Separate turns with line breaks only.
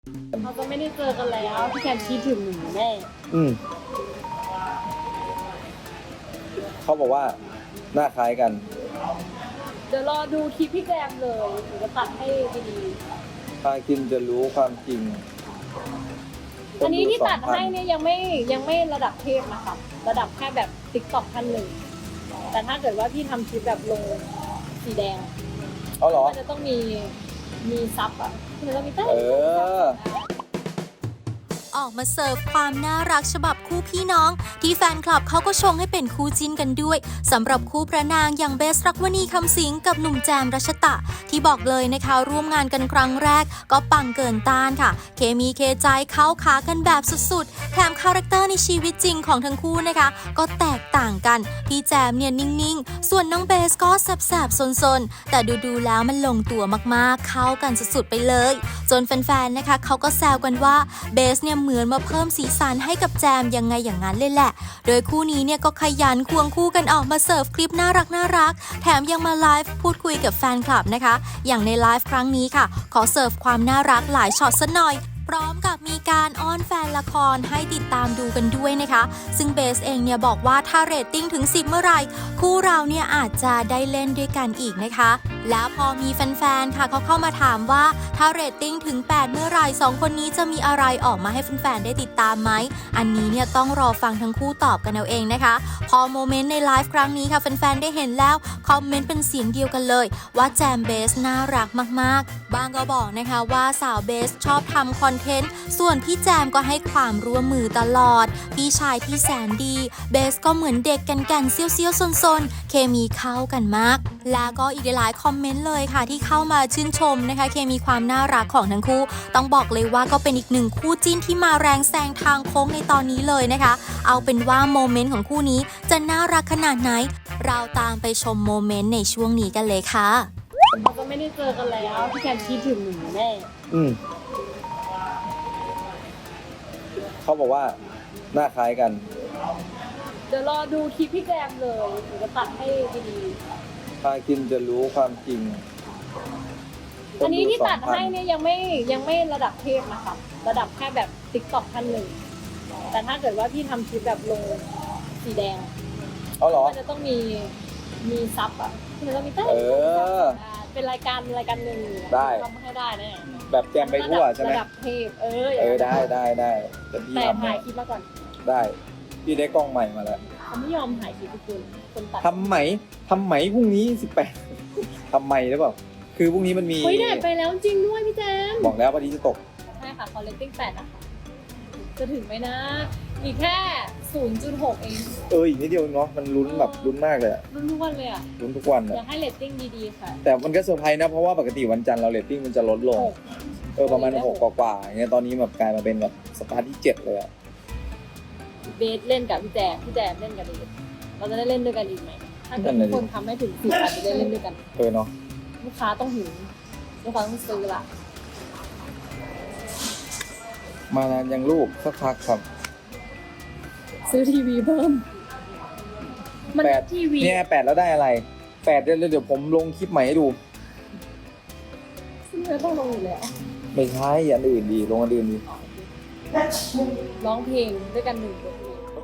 เราก็ไม่ได้เจอกันแล้วพี่แคมคิดถึงหนูแน่
เขาบอกว่าหน้าคล้ายกัน
เดี๋ยวรอดูคลิปพี่แกมเลยหนูจะตัดให้ดี
พากินจะรู้ความจริง
อันนี้ที่ตัดให้เนี่ยยังไม่ระดับเทพนะคะระดับแค่แบบติ๊กต็อกท่านหนึ่งแต่ถ้าเกิดว่าพี่ทำคลิปแบบลงสีแดงมันจะต้องมีซับอ่ะมันจะต้องมี
ออกมาเสิร์ฟความน่ารักฉบับคู่พี่น้องที่แฟนคลับเขาก็ชงให้เป็นคู่จิ้นกันด้วยสำหรับคู่พระนางอย่างเบสรักวณีคำสิงกับหนุ่มแจมรัชตะที่บอกเลยนะคะร่วมงานกันครั้งแรกก็ปังเกินต้านค่ะเคมีเคใจเข้าขากันแบบสุดๆแถมคาแรคเตอร์ในชีวิตจริงของทั้งคู่นะคะก็แตกต่างกันพี่แจมเนี่ยนิ่งๆส่วนน้องเบสก็แสบๆซนๆแต่ดูๆแล้วมันลงตัวมากๆเข้ากันสุดๆไปเลยจนแฟนๆนะคะเขาก็แซวกันว่าเบสเนี่ยเหมือนมาเพิ่มสีสันให้กับแจมยังไงอย่างนั้นเลยแหละโดยคู่นี้เนี่ยก็ขยันควงคู่กันออกมาเสิร์ฟคลิปน่ารักแถมยังมาไลฟ์พูดคุยกับแฟนคลับนะคะอย่างในไลฟ์ครั้งนี้ค่ะขอเสิร์ฟความน่ารักหลายช็อตซะหน่อยพร้อมกับมีการอ้อนแฟนละครให้ติดตามดูกันด้วยนะคะซึ่งเบสเองเนี่ยบอกว่าถ้าเรตติ้งถึง10เมื่อไหร่คู่เราเนี่ยอาจจะได้เล่นด้วยกันอีกนะคะแล้วพอมีแฟนๆค่ะเขาเข้ามาถามว่าถ้าเรตติ้งถึง8เมื่อไหร่2คนนี้จะมีอะไรออกมาให้แฟนๆได้ติดตามไหมอันนี้เนี่ยต้องรอฟังทั้งคู่ตอบกันเอาเองนะคะพอโมเมนต์ในไลฟ์ครั้งนี้ค่ะแฟนๆได้เห็นแล้วคอมเมนต์เป็นเสียงเดียวกันเลยว่าแจมเบสน่ารักมากๆบางก็บอกนะคะว่าสาวเบสชอบทำคอนเทนต์ส่วนพี่แจมก็ให้ความร่วมมือตลอดพี่ชายที่แสนดีเบสก็เหมือนเด็กกันเซี่ยวๆซนๆเคมีเข้ากันมากแล้วก็อีกหลายคอมเมนต์เลยค่ะที่เข้ามาชื่นชมนะคะเคมีความน่ารักของทั้งคู่ต้องบอกเลยว่าก็เป็นอีกหนึ่งคู่จิ้นที่มาแรงแซงทางโค้งในตอนนี้เลยนะคะเอาเป็นว่าโมเมนต์ของคู่นี้จะน่ารักขนาดไหนเราตามไปชมโมเมนต์ในช่วงนี้กันเลยค่ะ
เราก็ไม่ได้เจอกันแล้วพี่แคมคิดถึงหนูแน่
เขาบอกว่าหน้าคล้ายกัน
เดี๋ยวรอดูคลิปพี่แกมเลยหนูจะตัดให้ดี
พากินจะรู้ความจริง
อันนี้ที่ตัดให้เนี่ยยังไม่ระดับเทพนะคะระดับแค่แบบติ๊กต็อกท่านหนึ่งแต่ถ้าเกิดว่าพี่ทำคลิปแบบลงสีแดงมันจะต้องมีซับอ่ะมันจะต้องมีเป็นรายการหนึ่ง
ได้
ทำให้ได้แน่
แบบแจมไปทั่วใช่ไหม
ระดับเทพ
ได้แต่พี่
ถ่ายคลิปมาก่อน
ได้พี่ได้กล้องใหม่มาแล้ว
เขาไม่ยอมถ่ายคลิปคนตัด
ทำไหมพรุ่งนี้18ทำไหมหรือเปล่าคือพรุ่งนี้มันมี
แดดไปแล้วจริงด้วยพี่แจม
บอกแล้ววันนี้จะตก
ใช่ค่ะคอลเลกติ้ง8นะคะจะถึงไหมนะอีกแค่ 0.6 เอง
อีกนิดเดียวเนาะมันลุ้นแบบลุ้นมากเลย
ลุ้นทุกวันเลย
ลุ้นทุกวัน
อยากให้เรตติ้งดีๆค่ะ
แต่มันก็เซอร์ไพรส์นะเพราะว่าปกติวันจันทร์เราเรตติ้งมันจะลดลงประมาณ6กว่าอย่างเงี้ยตอนนี้แบบกลายมาเป็นแบบสตาร์ทที่7เลย
เบสเล่นกับพี่แจมเล่นกับเบสเราจะได้เล่นด้วยกันอีกไหมถ้าเกิดทุกคนทำให้ถึง10อาจจะได้เล่นด้วยกัน
เนาะ
ลูกค้าต้องหิวลูกค้าต้องซื้อละ
มานานยังลูกสักพักครับ
ซื้อทีวีเพิ่มมันทีวี
เนี่ย8แล้วได้อะไร8เดี๋ยวผมลงคลิปใหม่ให้ดู
ซึ่งเราต้องลงอยู่แล้ว
ไม่ใช่อันอื่นดีลงอันอื่นดี
ร้องเพลงด้วยกัน1 บท